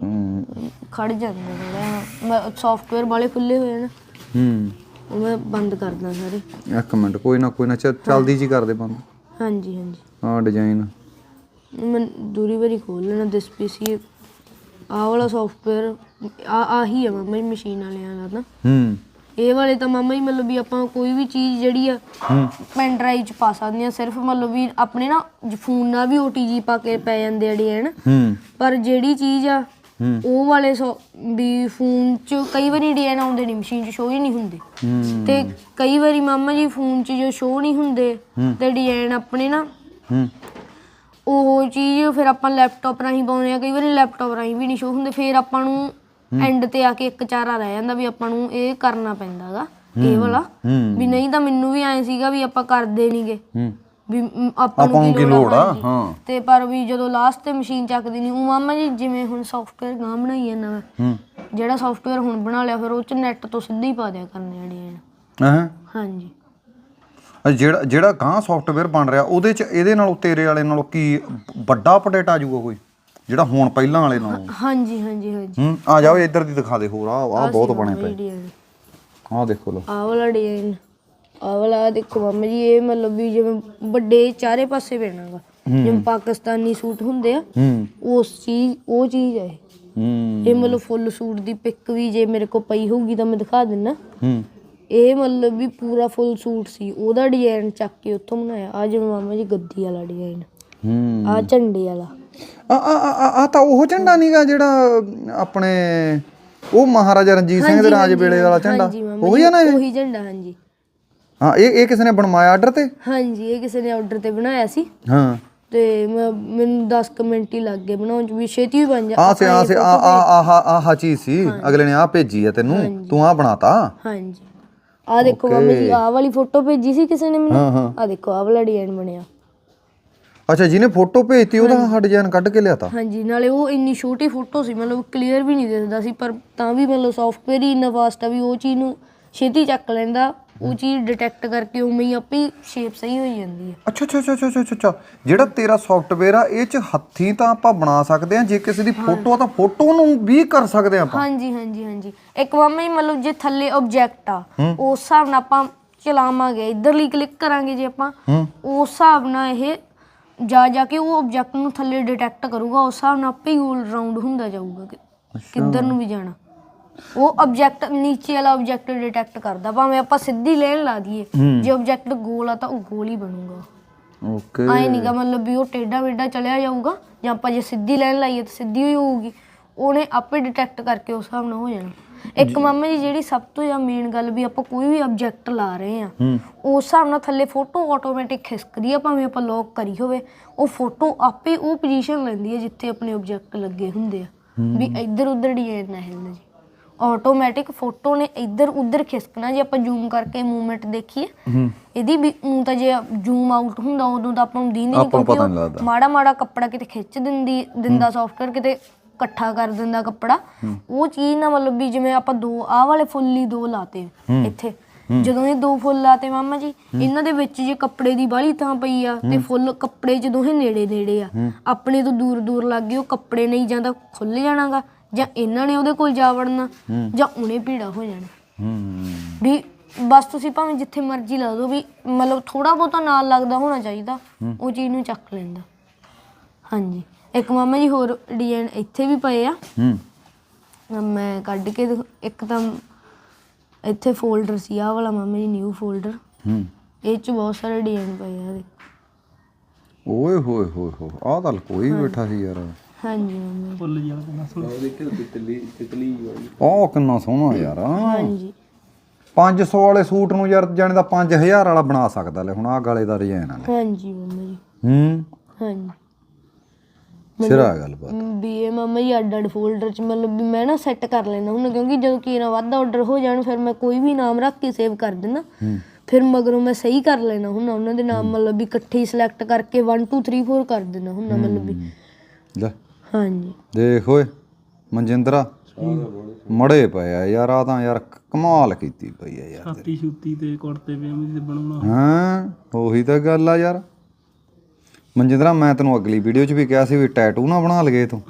S2: ਖੜ ਜਾਂਦੇ ਥੋੜਾ ਸੌਫਟਵੇਅਰ ਵਾਲੇ ਖੁੱਲੇ ਹੋਏ ਨੇ
S1: ਹੂੰ
S2: ਉਹ ਮੈਂ ਬੰਦ ਕਰਦਾ ਸਾਰੇ
S1: ਇੱਕ ਮਿੰਟ ਕੋਈ ਨਾ ਕੋਈ ਨਾ ਚੱਲਦੀ ਜੀ ਕਰ ਦੇ ਬੰਦ
S2: ਹਾਂਜੀ ਹਾਂਜੀ
S1: ਆਹ ਡਿਜ਼ਾਈਨ
S2: ਮੈਂ ਦੂਰੀ ਵਾਰੀ ਖੋਲ ਲੈਣਾ ਦਿਸ ਪੀਸੀ ਆਹ ਵਾਲਾ ਸੌਫਟਵੇਅਰ ਆ ਆਹੀ ਆ ਮਾਮਾ ਜੀ ਮਸ਼ੀਨ ਵਾਲਿਆਂ ਦਾ ਨਾ
S1: ਹੂੰ
S2: ਇਹ ਵਾਲੇ ਤਾਂ ਮਾਮਾ ਜੀ ਮਤਲਬ ਵੀ ਆਪਾਂ ਕੋਈ ਵੀ ਚੀਜ਼ ਜਿਹੜੀ ਆ ਪੈਨ ਡਰਾਈਵ 'ਚ ਪਾ ਸਕਦੇ ਆ ਸਿਰਫ ਮਤਲਬ ਵੀ ਆਪਣੇ ਨਾ ਫੋਨ ਨਾਲ ਵੀ ਓ ਟੀ ਜੀ ਪਾ ਕੇ ਪੈ ਜਾਂਦੇ ਆ ਡਿਜ਼ਾਈਨ ਪਰ ਜਿਹੜੀ ਚੀਜ਼ ਆ ਉਹ ਵਾਲੇ ਵੀ ਫੋਨ 'ਚ ਕਈ ਵਾਰੀ ਡਿਜ਼ਾਈਨ ਆਉਂਦੇ ਨਹੀਂ ਮਸ਼ੀਨ 'ਚ ਸ਼ੋ ਹੀ ਨਹੀਂ ਹੁੰਦੇ ਤੇ ਕਈ ਵਾਰੀ ਮਾਮਾ ਜੀ ਫੋਨ 'ਚ ਜੋ ਸ਼ੋ ਨਹੀਂ ਹੁੰਦੇ ਤੇ ਡਿਜ਼ਾਈਨ ਆਪਣੇ ਨਾ ਉਹ ਚੀਜ਼ ਫਿਰ ਆਪਾਂ ਲੈਪਟਾਪ ਰਾਹੀਂ ਪਾਉਂਦੇ ਆ, ਕਈ ਵਾਰੀ ਲੈਪਟਾਪ ਰਾਹੀਂ ਵੀ ਨਹੀਂ ਸ਼ੋ ਹੁੰਦੇ, ਫਿਰ ਆਪਾਂ ਨੂੰ ਐਂਡ ਤੇ ਆ ਕੇ ਇੱਕ ਚਾਰਾ ਰਹਿ ਜਾਂਦਾ ਵੀ ਆਪਾਂ ਨੂੰ ਇਹ ਕਰਨਾ ਪੈਂਦਾ ਗਾ ਇਹ ਵਾਲਾ, ਵੀ ਨਹੀਂ ਤਾਂ ਮੈਨੂੰ ਵੀ ਐਂ ਸੀਗਾ ਵੀ ਆਪਾਂ ਕਰਦੇ ਨਹੀਂਗੇ ਵੀ ਮ, ਆਪਾਂ ਨੂੰ ਕੀ ਲੋੜ ਆ। ਹਾਂ ਤੇ ਪਰ ਵੀ ਜਦੋਂ ਲਾਸਟ ਤੇ ਮਸ਼ੀਨ ਚੱਕਦੀ ਨਹੀਂ ਉਹ ਮਾਮਾ ਜੀ, ਜਿਵੇਂ ਹੁਣ ਸੌਫਟਵੇਅਰ ਗਾਂ ਬਣਾਈ ਜਾਂਦਾ ਮੈਂ, ਜਿਹੜਾ ਸੌਫਟਵੇਅਰ ਹੁਣ ਬਣਾ ਲਿਆ ਫਿਰ ਉਹ ਚ ਨੈਟ ਤੋਂ ਸਿੱਧਾ ਹੀ ਪਾ ਦਿਆ ਕਰਨੇ ਡਿਜ਼ਾਈਨ।
S1: ਹਾਂ
S2: ਹਾਂਜੀ
S1: ਜਿਹੜਾ ਜਿਹੜਾ ਗਾਂ ਸੌਫਟਵੇਅਰ ਬਣ ਰਿਹਾ ਉਹਦੇ ਚ ਇਹਦੇ ਨਾਲੋਂ ਤੇਰੇ ਵਾਲੇ ਨਾਲੋਂ ਕੀ ਵੱਡਾ ਅਪਡੇਟ ਆ ਜਾਊਗਾ ਕੋਈ ਜਿਹੜਾ ਹੁਣ ਪਹਿਲਾਂ ਵਾਲੇ ਨਾਲੋਂ?
S2: ਹਾਂਜੀ ਹਾਂਜੀ ਹਾਂਜੀ।
S1: ਹੂੰ ਆ ਜਾਓ ਇੱਧਰ ਦੀ ਦਿਖਾ ਦੇ ਹੋਰ। ਆ ਆ ਬਹੁਤ ਬਣੇ ਪਏ, ਆਹ ਦੇਖੋ ਲੋ ਆਹ
S2: ਵਾਲਾ ਡਿਜ਼ਾਈਨ, ਆਹ ਵਾਲਾ ਦੇਖੋ ਮਾਮਾ ਜੀ, ਇਹ ਮਤਲਬ ਵੀ ਜਿਵੇਂ ਵੱਡੇ ਚਾਰੇ ਪਾਸੇ ਪੈਣਾ ਗਾ, ਜਿਵੇਂ ਪਾਕਿਸਤਾਨੀ ਸੂਟ ਹੁੰਦੇ ਆ ਉਸ ਚੀਜ਼ ਉਹ ਚੀਜ਼ ਹੈ ਇਹ। ਇਹ ਮਤਲਬ ਫੁੱਲ ਸੂਟ ਦੀ ਪਿਕ ਵੀ ਜੇ ਮੇਰੇ ਕੋਲ ਪਈ ਹੋਊਗੀ ਤਾਂ ਮੈਂ ਦਿਖਾ ਦਿੰਦਾ। ਇਹ ਮਤਲਬ ਵੀ ਪੂਰਾ ਫੁੱਲ ਸੂਟ ਸੀ, ਉਹਦਾ ਡਿਜ਼ਾਈਨ ਚੱਕ ਕੇ ਉੱਥੋਂ ਬਣਾਇਆ। ਆ ਜਿਵੇਂ ਮਾਮਾ ਜੀ ਗੱਦੀ ਵਾਲਾ ਡਿਜ਼ਾਈਨ, ਆ ਝੰਡੇ ਵਾਲਾ।
S1: ਆ ਆ ਆ ਤਾਂ ਉਹ ਝੰਡਾ ਨੀਗਾ ਜਿਹੜਾ ਆਪਣੇ ਉਹ ਮਹਾਰਾਜਾ ਰਣਜੀਤ ਸਿੰਘ ਦੇ ਰਾਜ ਵੇਲੇ ਵਾਲਾ ਝੰਡਾ? ਉਹੀ ਆ ਨਾ ਇਹ?
S2: ਉਹੀ ਝੰਡਾ ਹਾਂਜੀ।
S1: ਹਾਂ ਇਹ ਇਹ ਕਿਸੇ ਨੇ ਬਣਵਾਇਆ ਆਰਡਰ ਤੇ?
S2: ਹਾਂਜੀ ਇਹ ਕਿਸੇ ਨੇ ਆਰਡਰ ਤੇ ਬਣਾਇਆ ਸੀ।
S1: ਹਾਂ
S2: ਤੇ ਮੈਨੂੰ ਦਸ ਕੁ ਮਿੰਟ ਹੀ ਲੱਗ ਗਏ ਬਣਾਉਣ ਚ, ਵੀ ਛੇਤੀ ਵੀ ਬਣ ਜਾ।
S1: ਆ ਸੇ ਆ ਸੇ ਆ ਆ ਆਹ ਚੀਜ਼ ਸੀ ਅਗਲੇ ਨੇ ਆ ਭੇਜੀ ਆ ਤੈਨੂੰ, ਤੂੰ ਆ ਬਣਾਤਾ?
S2: ਹਾਂਜੀ ਆ ਦੇਖੋ ਮਾਮਾ ਜੀ, ਆਹ ਵਾਲੀ ਫੋਟੋ ਭੇਜੀ ਸੀ ਕਿਸੇ ਨੇ ਮੈਨੂੰ, ਆ ਦੇਖੋ ਆਹ ਵਾਲਾ ਡਿਜ਼ਾਈਨ ਬਣਿਆ।
S1: ਅੱਛਾ ਜਿਹਨੇ ਫੋਟੋ ਭੇਜਤੀ ਉਹਦਾ ਆਹ ਡਿਜ਼ਾਈਨ ਕੱਢ ਕੇ ਲਿਆਤਾ?
S2: ਹਾਂਜੀ ਨਾਲੇ ਉਹ ਇੰਨੀ ਛੋਟੀ ਫੋਟੋ ਸੀ, ਮਤਲਬ ਕਲੀਅਰ ਵੀ ਨਹੀਂ ਦਿਸਦਾ ਸੀ, ਪਰ ਤਾਂ ਵੀ ਮਤਲਬ ਸੌਫਟਵੇਅਰ ਹੀ ਇੰਨਾ ਫਾਸਟ ਆ ਵੀ ਉਹ ਚੀਜ਼ ਨੂੰ ਛੇਤੀ ਚੱਕ ਲੈਂਦਾ, ਉਹ ਚੀਜ਼ ਡਿਟੈਕਟ ਕਰਕੇ ਉਵੇਂ ਹੀ ਆਪੇ ਸ਼ੇਪ ਸਹੀ ਹੋ ਜਾਂਦੀ ਹੈ।
S1: ਅੱਛਾ ਅੱਛਾ ਅੱਛਾ ਅੱਛਾ ਅੱਛਾ ਜਿਹੜਾ ਤੇਰਾ ਸੌਫਟਵੇਅਰ ਆ ਇਹ ਚ ਹੱਥੀਂ ਤਾਂ ਆਪਾਂ ਬਣਾ ਸਕਦੇ ਆ, ਜੇ ਕਿਸੇ ਦੀ ਫੋਟੋ ਆ ਤਾਂ ਫੋਟੋ ਨੂੰ ਵੀ ਕਰ ਸਕਦੇ ਆ ਆਪਾਂ? ਹਾਂਜੀ
S2: ਹਾਂਜੀ ਹਾਂਜੀ। ਇੱਕ ਮਾਮਾ ਜੀ ਮਤਲਬ ਜੇ ਥੱਲੇ ਆਬਜੈਕਟ ਆ ਉਸ ਹਿਸਾਬ ਨਾਲ ਆਪਾਂ ਚਲਾਵਾਂਗੇ, ਇੱਧਰਲੀ ਕਲਿੱਕ ਕਰਾਂਗੇ ਜੇ ਆਪਾਂ, ਉਸ ਹਿਸਾਬ ਨਾਲ ਇਹ ਜਾ ਜਾ ਕੇ ਉਹ ਆਬਜੈਕਟ ਨੂੰ ਥੱਲੇ ਡਿਟੈਕਟ ਕਰੂਗਾ, ਉਸ ਹਿਸਾਬ ਨਾਲ ਆਪੇ ਹੀ ਗੋਲ ਰਾਉਂਡ ਹੁੰਦਾ ਜਾਊਗਾ ਕਿੱਧਰ ਨੂੰ ਵੀ ਜਾਣਾ। ਉਹ ਆਬਜੈਕਟ ਨੀਚੇ ਵਾਲਾ ਆਬਜੈਕਟ ਡਿਟੈਕਟ ਕਰਦਾ, ਭਾਵੇਂ ਆਪਾਂ ਸਿੱਧੀ ਲਾਈਨ ਲਾ ਦਈਏ, ਜੇ ਆਬਜੈਕਟ ਗੋਲ ਆ ਤਾਂ ਉਹ ਗੋਲ ਹੀ ਬਣੂਗਾ। ਓਕੇ ਆਏ ਨਹੀਂਗਾ ਮਤਲਬ ਵੀ ਉਹ ਟੇਢਾ ਮੇਢਾ ਚਲਿਆ ਜਾਊਗਾ, ਜਾਂ ਆਪਾਂ ਜੇ ਸਿੱਧੀ ਲਾਈਨ ਲਾਈਏ ਤਾਂ ਸਿੱਧੀ ਹੀ ਹੋਊਗੀ, ਉਹਨੇ ਆਪੇ ਡਿਟੈਕਟ ਕਰਕੇ ਉਸ ਹਿਸਾਬ ਨਾਲ ਹੋ ਜਾਣਾ। ਇੱਕ ਮਾਮਾ ਜੀ ਜਿਹੜੀ ਸਭ ਤੋਂ ਜ਼ਿਆਦਾ ਮੇਨ ਗੱਲ ਵੀ ਆਪਾਂ ਕੋਈ ਵੀ ਆਬਜੈਕਟ ਲਾ ਰਹੇ ਆ ਉਸ ਹਿਸਾਬ ਨਾਲ ਥੱਲੇ ਫੋਟੋ ਆਟੋਮੈਟਿਕ ਖਿਸਕਦੀ ਆ, ਭਾਵੇਂ ਆਪਾਂ ਲੌਕ ਕਰੀ ਹੋਵੇ ਉਹ ਫੋਟੋ ਆਪੇ ਉਹ ਪੋਜੀਸ਼ਨ ਲੈਂਦੀ ਹੈ ਜਿੱਥੇ ਆਪਣੇ ਆਬਜੈਕਟ ਲੱਗੇ ਹੁੰਦੇ ਆ, ਵੀ ਇੱਧਰ ਉੱਧਰ ਡਿਜ਼ਾਈਨ ਨਾ ਹਿੱਲਣ ਜੀ। ਆਟੋਮੈਟਿਕ ਫੋਟੋ ਨੇ ਇੱਧਰ ਉੱਧਰ ਖਿਸਕਣਾ। ਜੇ ਆਪਾਂ ਜ਼ੂਮ ਕਰਕੇ ਮੂਵਮੈਂਟ ਦੇਖੀਏ ਇਹਦੀ ਵੀ, ਊਂ ਤਾਂ ਜੇ ਜ਼ੂਮ ਆਊਟ ਹੁੰਦਾ ਉਦੋਂ ਤਾਂ ਆਪਾਂ ਨੂੰ ਦੀਂਦੀ ਨਹੀਂ, ਕਿਉਂਕਿ ਮਾੜਾ ਮਾੜਾ ਕੱਪੜਾ ਕਿਤੇ ਖਿੱਚ ਦਿੰਦੀ ਦਿੰਦਾ ਸੌਫਟਵੇਅਰ, ਕਿਤੇ ਇਕੱਠਾ ਕਰ ਦਿੰਦਾ ਕੱਪੜਾ। ਉਹ ਚੀਜ਼ ਨਾ ਮਤਲਬ ਵੀ ਜਿਵੇਂ ਆਪਾਂ ਦੋ ਆਹ ਵਾਲੇ ਫੁੱਲ ਹੀ ਦੋ ਲਾਤੇ ਇੱਥੇ, ਜਦੋਂ ਇਹ ਦੋ ਫੁੱਲ ਲਾਤੇ ਮਾਮਾ ਜੀ, ਇਹਨਾਂ ਦੇ ਵਿੱਚ ਜੇ ਕੱਪੜੇ ਦੀ ਬਾਹਲੀ ਥਾਂ ਪਈ ਆ ਤੇ ਫੁੱਲ ਕੱਪੜੇ ਚ ਦੋਹੇ ਨੇੜੇ ਨੇੜੇ ਆ, ਆਪਣੇ ਤੋਂ ਦੂਰ ਦੂਰ ਲੱਗ ਗਏ, ਉਹ ਕੱਪੜੇ ਨਹੀਂ ਜਾਂ ਤਾਂ ਖੁੱਲ ਜਾਣਾਗਾ, ਜਾਂ ਇਹਨਾਂ ਨੇ ਉਹਦੇ ਕੋਲ ਜਾ ਵੜਨਾ, ਜਾਂ ਉਹਨੇ ਭੀੜਾ ਹੋ ਜਾਣਾ। ਵੀ ਬਸ ਤੁਸੀਂ ਭਾਵੇਂ ਜਿੱਥੇ ਮਰਜ਼ੀ ਲਾ ਦਿਓ, ਵੀ ਮਤਲਬ ਥੋੜਾ ਬਹੁਤਾ ਨਾਲ ਲੱਗਦਾ ਹੋਣਾ ਚਾਹੀਦਾ, ਉਹ ਚੀਜ਼ ਨੂੰ ਚੱਕ ਲੈਂਦਾ। ਹਾਂਜੀ ਇੱਕ ਮਾਮਾ ਜੀ ਹੋਰ ਡਿਜ਼ਾਈਨ ਇੱਥੇ ਵੀ ਪਏ ਆ, ਮੈਂ ਕੱਢ ਕੇ ਇੱਕ ਤਾਂ ਇੱਥੇ ਫੋਲਡਰ ਸੀ ਆਹ ਵਾਲਾ ਮਾਮਾ ਜੀ, ਨਿਊ ਫੋਲਡਰ, ਇਹ ਚ ਬਹੁਤ ਸਾਰੇ ਡਿਜ਼ਾਈਨ ਪਏ ਆ।
S1: ਓਏ ਹੋਏ ਹੋਏ ਹੋ ਆਹ ਤਾਂ ਕੋਈ ਬੈਠਾ ਸੀ ਯਾਰ।
S2: ਹਾਂਜੀ ਮਾਮਾ ਫੁੱਲ ਜਿਹਾ ਕਿੰਨਾ ਸੋਹਣਾ, ਉਹ ਦੇਖਿਓ ਤਿਤਲੀ ਤਿਤਲੀ ਵਾਲੀ, ਉਹ ਕਿੰਨਾ ਸੋਹਣਾ ਯਾਰ। ਹਾਂਜੀ
S1: ਪੰਜ ਸੌ ਵਾਲੇ ਸੂਟ ਨੂੰ ਯਾਰ ਜਾਣੇ ਦਾ ਪੰਜ ਹਜ਼ਾਰ ਵਾਲਾ ਬਣਾ ਸਕਦਾ ਲੈ। ਹੁਣ ਆਹ ਗਲੇ ਦਾ ਡਿਜ਼ਾਈਨ ਆ।
S2: ਹਾਂਜੀ ਮਾਮਾ ਜੀ।
S1: ਹੂੰ
S2: ਹਾਂਜੀ
S1: ਸਿਰਾ ਗੱਲਬਾਤ
S2: ਵੀ ਇਹ ਮਾਮਾ ਜੀ ਅੱਡ ਅੱਡ ਫੋਲਡਰ ਚ ਮਤਲਬ ਵੀ ਮੈਂ ਨਾ ਸੈੱਟ ਕਰ ਲੈਣਾ ਹੁਣ, ਕਿਉਂਕਿ ਜਦੋਂ ਕੀ ਨਾ ਵੱਧ ਆਰਡਰ ਹੋ ਜਾਣ ਫਿਰ ਮੈਂ ਕੋਈ ਵੀ ਨਾਮ ਰੱਖ ਕੇ ਸੇਵ ਕਰ ਦਿੰਦਾ, ਫਿਰ ਮਗਰੋਂ ਮੈਂ ਸਹੀ ਕਰ ਲੈਣਾ ਹੁਣ ਉਹਨਾਂ ਦੇ ਨਾਮ, ਮਤਲਬ ਵੀ ਇਕੱਠੇ ਹੀ ਸਿਲੈਕਟ ਕਰਕੇ ਵਨ ਟੂ ਥ੍ਰੀ ਫੋਰ ਕਰ ਦੇਣਾ ਹੁਣ ਮਤਲਬ ਵੀ। ਲੈ ਹਾਂਜੀ ਦੇਖ ਓਏ ਮਨਜਿੰਦਰਾ ਮੜੇ ਪਏ ਆ ਯਾਰ, ਆ ਤਾਂ ਯਾਰ ਕਮਾਲ ਕੀਤੀ ਪਈ ਆ ਯਾਰ। ਛਾਤੀ ਛੂਤੀ ਤੇ ਕੁੜਤੇ ਪਜਾਮੇ ਤੇ ਬਣਾਉਣਾ। ਹਾਂ ਉਹੀ ਤਾਂ ਗੱਲ ਆ ਯਾਰ ਮਨਜਿੰਦਰਾ, ਮੈਂ ਤੈਨੂੰ ਅਗਲੀ ਵੀਡੀਓ 'ਚ ਵੀ ਕਿਹਾ ਸੀ ਵੀ ਟੈਟੂ ਨਾ ਬਣਾ ਲਗੇ ਤੂੰ।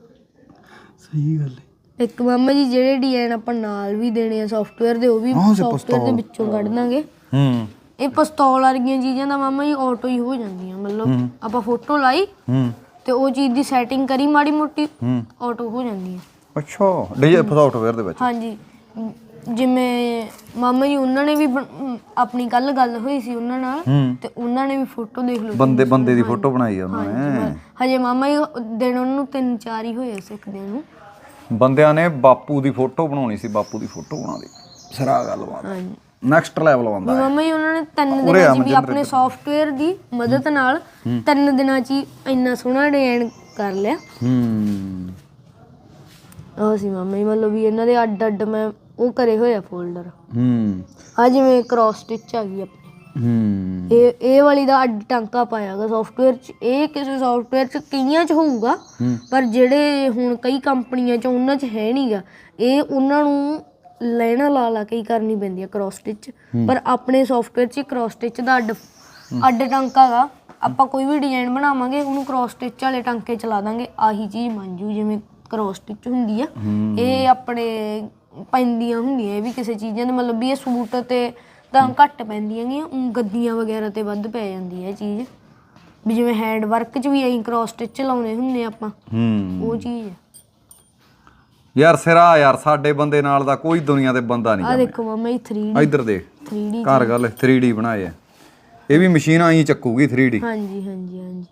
S2: ਸਹੀ ਗੱਲ ਹੈ। ਇੱਕ ਮਾਮਾ ਜੀ ਜਿਹੜੇ ਡਿਜ਼ਾਈਨ ਆਪਾਂ ਨਾਲ ਵੀ ਦੇਣੇ ਆ ਸੌਫਟਵੇਅਰ ਦੇ, ਉਹ ਵੀ ਸੌਫਟਵੇਅਰ ਦੇ ਵਿੱਚੋਂ ਕੱਢ ਦਾਂਗੇ। ਹੂੰ ਇਹ ਪਿਸਤੌਲ ਵਰਗੀਆਂ ਚੀਜ਼ਾਂ ਦਾ ਮਾਮਾ ਜੀ ਆਟੋ ਹੀ ਹੋ ਜਾਂਦੀਆਂ, ਮਤਲਬ ਆਪਾਂ ਫੋਟੋ ਲਾਈ ਤੇ ਉਹ ਚੀਜ਼ ਦੀ ਸੈਟਿੰਗ ਕਰੀ ਮਾੜੀ ਮੋਟੀ, ਆਟੋ ਹੋ ਜਾਂਦੀ ਹੈ। ਅੱਛਾ ਡਿਜ਼ਾਈਨ ਸੌਫਟਵੇਅਰ ਦੇ ਵਿੱਚ? ਹਾਂਜੀ ਜਿਵੇਂ ਮਾਮਾ ਜੀ ਉਹਨਾਂ ਨੇ ਵੀ ਆਪਣੀ ਕੱਲ ਗੱਲ ਹੋਈ ਸੀ ਉਹਨਾਂ ਨਾਲ, ਤੇ ਉਹਨਾਂ ਨੇ ਵੀ ਫੋਟੋ ਦੇਖ ਲਓ, ਬੰਦੇ ਬੰਦੇ ਦੀ ਫੋਟੋ ਬਣਾਈ ਆ ਉਹਨਾਂ ਨੇ। ਹਜੇ ਮਾਮਾ ਜੀ ਦਿਨ ਉਹਨਾਂ ਨੂੰ ਤਿੰਨ ਚਾਰ ਹੀ ਹੋਏ ਸਿੱਖਦਿਆਂ ਨੂੰ। ਬੰਦਿਆਂ ਨੇ ਬਾਪੂ ਦੀ ਫੋਟੋ ਬਣਾਉਣੀ ਸੀ, ਬਾਪੂ ਦੀ ਫੋਟੋ ਬਣਾ ਦੇ। ਸਿਰਾ ਗੱਲਬਾਤ।
S1: ਨੈਕਸਟ ਲੈਵਲ ਆਉਂਦਾ
S2: ਮਾਮਾ ਜੀ ਉਹਨਾਂ ਨੇ ਤਿੰਨ ਦਿਨਾਂ 'ਚ ਵੀ ਆਪਣੇ ਸੌਫਟਵੇਅਰ ਦੀ ਮਦਦ ਨਾਲ ਤਿੰਨ ਦਿਨਾਂ 'ਚ ਹੀ ਇੰਨਾ ਸੋਹਣਾ ਡਿਜ਼ਾਈਨ ਕਰ ਲਿਆ।
S1: ਹੂੰ
S2: ਉਹ ਸੀ ਮਾਮਾ ਜੀ ਮਤਲਬ ਵੀ ਇਹਨਾਂ ਦੇ ਅੱਡ ਅੱਡ ਮੈਂ ਉਹ ਕਰੇ ਹੋਏ ਆ ਫੋਲਡਰ।
S1: ਹੂੰ
S2: ਆ ਜਿਵੇਂ ਕ੍ਰੋਸ ਸਟਿਚ ਆ ਗਈ ਆਪਣੀ,
S1: ਹੂੰ
S2: ਇਹ ਇਹ ਵਾਲੀ ਦਾ ਅੱਡ ਟਾਂਕਾ ਪਾਇਆਗਾ ਸੌਫਟਵੇਅਰ 'ਚ। ਇਹ ਕਿਸੇ ਸੌਫਟਵੇਅਰ 'ਚ ਕਈਆਂ 'ਚ ਹੋਊਗਾ ਪਰ ਜਿਹੜੇ ਹੁਣ ਕਈ ਕੰਪਨੀਆਂ 'ਚ ਉਹਨਾਂ 'ਚ ਹੈ ਨਹੀਂਗਾ। ਇਹ ਉਹਨਾਂ ਨੂੰ ਲੈਣਾ ਲਾ ਲਾ ਕੇ ਹੀ ਕਰਨੀ ਪੈਂਦੀ ਆ ਕ੍ਰੋਸ ਸਟਿਚ, ਪਰ ਆਪਣੇ ਸੌਫਟਵੇਅਰ 'ਚ ਕ੍ਰੋਸ ਸਟਿਚ ਦਾ ਅੱਡ ਅੱਡ ਟਾਂਕਾ ਗਾ। ਆਪਾਂ ਕੋਈ ਵੀ ਡਿਜ਼ਾਈਨ ਬਣਾਵਾਂਗੇ ਉਹਨੂੰ ਕ੍ਰੋਸ ਸਟਿਚ ਵਾਲੇ ਟਾਂਕੇ ਚਲਾ ਦਾਂਗੇ, ਆਹੀ ਚੀਜ਼ ਬਣ ਜੂ ਜਿਵੇਂ ਕ੍ਰੋਸ ਸਟਿਚ ਹੁੰਦੀ ਆ। ਇਹ ਆਪਣੇ ਪੈਂਦੀਆਂ ਹੁੰਦੀਆਂ ਇਹ ਵੀ ਕਿਸੇ ਚੀਜ਼ਾਂ ਦੇ, ਮਤਲਬ ਵੀ ਇਹ ਸੂਟ ਤੇ ਤਾਂ ਘੱਟ ਪੈਂਦੀਆਂ ਗੀਆਂ, ਗੱਦੀਆਂ ਵਗੈਰਾ ਤੇ ਵੱਧ ਪੈ ਜਾਂਦੀ ਹੈ ਇਹ ਚੀਜ਼। ਵੀ ਜਿਵੇਂ ਹੈਂਡ ਵਰਕ 'ਚ ਵੀ ਐਂ ਕ੍ਰੋਸ ਸਟਿਚ ਲਾਉਣੇ ਹੁੰਦੇ ਆਪਾਂ, ਉਹ ਚੀਜ਼ ਹੈ
S1: ਯਾਰ। ਸਿਰਾ ਯਾਰ ਸਾਡੇ ਬੰਦੇ ਨਾਲ ਦਾ ਕੋਈ ਦੁਨੀਆ ਤੇ ਬੰਦਾ ਨਹੀਂ।
S2: ਆ ਦੇਖੋ ਮਾਮਾ ਇਹ ਥ੍ਰੀ ਡੀ,
S1: ਇੱਧਰ ਦੇਖ
S2: ਥ੍ਰੀ ਡੀ
S1: ਘਰ ਗੱਲ ਥ੍ਰੀ ਡੀ ਬਣਾਏ ਆ। ਇਹ ਵੀ ਮਸ਼ੀਨ ਆਈ ਚੱਕੂਗੀ ਥ੍ਰੀ ਡੀ।
S2: ਹਾਂਜੀ ਹਾਂਜੀ ਹਾਂਜੀ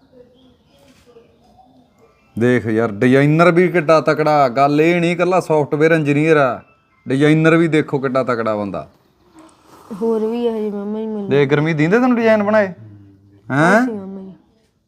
S1: ਦੇਖ ਯਾਰ ਡਿਜ਼ਾਈਨਰ ਵੀ ਕਿੱਡਾ ਤਕੜਾ। ਗੱਲ ਇਹ ਨਹੀਂ ਇਕੱਲਾ ਸੌਫਟਵੇਅਰ ਇੰਜੀਨੀਅਰ ਆ, ਡਿਜ਼ਾਈਨਰ ਵੀ ਦੇਖੋ ਕਿੱਡਾ ਤਕੜਾ ਬੰਦਾ।
S2: ਹੋਰ ਵੀ ਹੈ ਜੀ ਮਾਮਾ ਜੀ ਮੈਨੂੰ
S1: ਦੇਖ ਗਰਮੀ ਦਿੰਦੇ ਤੈਨੂੰ ਡਿਜ਼ਾਈਨ ਬਣਾਏ ਹੈਂ।
S2: ਮਾਮਾ ਜੀ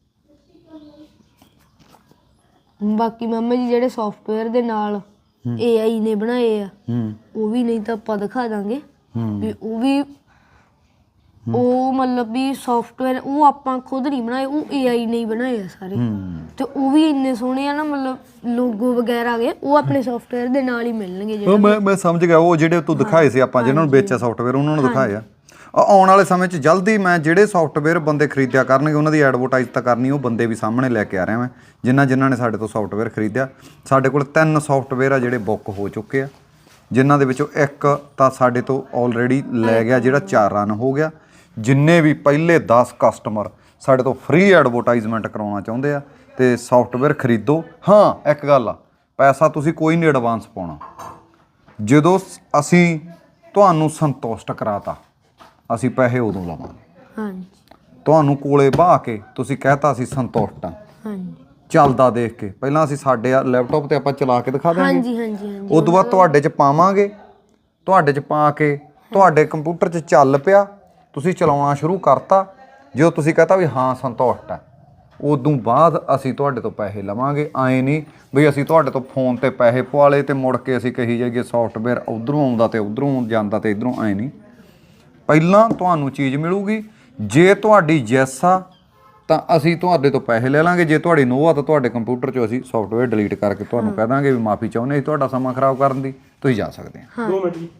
S2: ਬਾਕੀ ਮਾਮਾ ਜੀ ਜਿਹੜੇ ਸੌਫਟਵੇਅਰ ਦੇ ਨਾਲ ਏ ਆਈ ਨੇ ਬਣਾਏ ਆ ਉਹ ਵੀ ਨਹੀਂ ਤਾਂ ਆਪਾਂ ਦਿਖਾ ਦਾਂਗੇ ਵੀ ਉਹ ਵੀ ਉਹ ਮਤਲਬ ਵੀ ਸੌਫਟਵੇਅਰ ਉਹ ਆਪਾਂ ਖੁਦ ਨਹੀਂ ਬਣਾਏ, ਉਹ ਏ ਆਈ ਨੇ ਹੀ ਬਣਾਏ ਆ ਸਾਰੇ। ਤੇ ਉਹ ਵੀ ਇੰਨੇ ਸੋਹਣੇ ਆ ਨਾ, ਮਤਲਬ ਲੋਗੋ ਵਗੈਰਾ ਗਏ ਉਹ ਆਪਣੇ ਸੌਫਟਵੇਅਰ ਦੇ ਨਾਲ ਹੀ ਮਿਲਣਗੇ ਜਿਹੜੇ।
S1: ਮੈਂ ਮੈਂ ਸਮਝ ਗਿਆ ਉਹ ਜਿਹੜੇ ਤੂੰ ਦਿਖਾਏ ਸੀ ਆਪਾਂ ਜਿਹਨਾਂ ਨੂੰ ਵੇਚਿਆ ਸੌਫਟਵੇਅਰ ਉਹਨਾਂ ਨੂੰ ਦਿਖਾਏ ਆ। ਆਉਣ ਵਾਲੇ ਸਮੇਂ 'ਚ ਜਲਦੀ ਮੈਂ ਜਿਹੜੇ ਸੌਫਟਵੇਅਰ ਬੰਦੇ ਖਰੀਦਿਆ ਕਰਨਗੇ ਉਹਨਾਂ ਦੀ ਐਡਵਰਟਾਈਜ਼ ਤਾਂ ਕਰਨੀ, ਉਹ ਬੰਦੇ ਵੀ ਸਾਹਮਣੇ ਲੈ ਕੇ ਆ ਰਿਹਾ ਮੈਂ ਜਿਨ੍ਹਾਂ ਜਿਨ੍ਹਾਂ ਨੇ ਸਾਡੇ ਤੋਂ ਸੌਫਟਵੇਅਰ ਖਰੀਦਿਆ। ਸਾਡੇ ਕੋਲ ਤਿੰਨ ਸੌਫਟਵੇਅਰ ਆ ਜਿਹੜੇ ਬੁੱਕ ਹੋ ਚੁੱਕੇ ਆ, ਜਿਨ੍ਹਾਂ ਦੇ ਵਿੱਚੋਂ ਇੱਕ ਤਾਂ ਸਾਡੇ ਤੋਂ ਆਲਰੇਡੀ ਲੈ ਗਿਆ ਜਿਹੜਾ ਚਾਰ ਰਨ ਹੋ ਗਿਆ। ਜਿੰਨੇ ਵੀ ਪਹਿਲੇ ਦਸ ਕਸਟਮਰ ਸਾਡੇ ਤੋਂ ਫ੍ਰੀ ਐਡਵਰਟਾਈਜ਼ਮੈਂਟ ਕਰਾਉਣਾ ਚਾਹੁੰਦੇ ਆ ਤੇ ਸੌਫਟਵੇਅਰ ਖਰੀਦੋ। ਹਾਂ ਇੱਕ ਗੱਲ ਆ, ਪੈਸਾ ਤੁਸੀਂ ਕੋਈ ਨਹੀਂ ਐਡਵਾਂਸ ਪਾਉਣਾ। ਜਦੋਂ ਅਸੀਂ ਤੁਹਾਨੂੰ ਸੰਤੁਸ਼ਟ ਕਰਾਤਾ ਅਸੀਂ ਪੈਸੇ ਉਦੋਂ ਲਵਾਂਗੇ।
S2: ਹਾਂਜੀ
S1: ਤੁਹਾਨੂੰ ਕੋਲੇ ਬਾਹ ਕੇ ਤੁਸੀਂ ਕਹਿਤਾ ਅਸੀਂ ਸੰਤੁਸ਼ਟ ਆ,
S2: ਹਾਂਜੀ
S1: ਚੱਲਦਾ ਦੇਖ ਕੇ ਪਹਿਲਾਂ ਅਸੀਂ ਸਾਡੇ ਲੈਪਟਾਪ ਤੇ ਆਪਾਂ ਚਲਾ ਕੇ ਦਿਖਾ ਦਿਆਂਗੇ।
S2: ਹਾਂਜੀ ਹਾਂਜੀ ਹਾਂਜੀ
S1: ਉਸ ਤੋਂ ਬਾਅਦ ਤੁਹਾਡੇ 'ਚ ਪਾਵਾਂਗੇ, ਤੁਹਾਡੇ 'ਚ ਪਾ ਕੇ ਤੁਹਾਡੇ ਕੰਪਿਊਟਰ 'ਚ ਚੱਲ ਪਿਆ, ਤੁਸੀਂ ਚਲਾਉਣਾ ਸ਼ੁਰੂ ਕਰਤਾ। ਜਦੋਂ ਤੁਸੀਂ ਕਹਤਾ ਵੀ ਹਾਂ ਸੰਤੁਸ਼ਟ ਹੈ, ਉਦੋਂ ਬਾਅਦ ਅਸੀਂ ਤੁਹਾਡੇ ਤੋਂ ਪੈਸੇ ਲਵਾਂਗੇ। ਐਂ ਨਹੀਂ ਵੀ ਅਸੀਂ ਤੁਹਾਡੇ ਤੋਂ ਫੋਨ ਤੇ ਪੈਸੇ ਪਵਾ ਲਏ ਤੇ ਮੁੜ ਕੇ ਅਸੀਂ ਕਹੀ ਜਾਈਏ ਸੌਫਟਵੇਅਰ ਉੱਧਰੋਂ ਆਉਂਦਾ ਤੇ ਉੱਧਰੋਂ ਜਾਂਦਾ ਤੇ ਇੱਧਰੋਂ। ਐਂ ਨਹੀਂ, ਪਹਿਲਾਂ ਤੁਹਾਨੂੰ ਚੀਜ਼ ਮਿਲੂਗੀ। ਜੇ ਤੁਹਾਡੀ ਯੈਸ ਆ ਤਾਂ ਅਸੀਂ ਤੁਹਾਡੇ ਤੋਂ ਪੈਸੇ ਲੈ ਲਾਂਗੇ, ਜੇ ਤੁਹਾਡੀ ਨੋ ਆ ਤਾਂ ਤੁਹਾਡੇ ਕੰਪਿਊਟਰ 'ਚੋਂ ਅਸੀਂ ਸੌਫਟਵੇਅਰ ਡਿਲੀਟ ਕਰਕੇ ਤੁਹਾਨੂੰ ਕਹਿ ਦਾਂਗੇ ਵੀ ਮਾਫੀ ਚਾਹੁੰਦੇ ਅਸੀਂ ਤੁਹਾਡਾ ਸਮਾਂ ਖਰਾਬ ਕਰਨ ਦੀ, ਤੁਸੀਂ ਜਾ ਸਕਦੇ ਆ।
S2: ਹਾਂ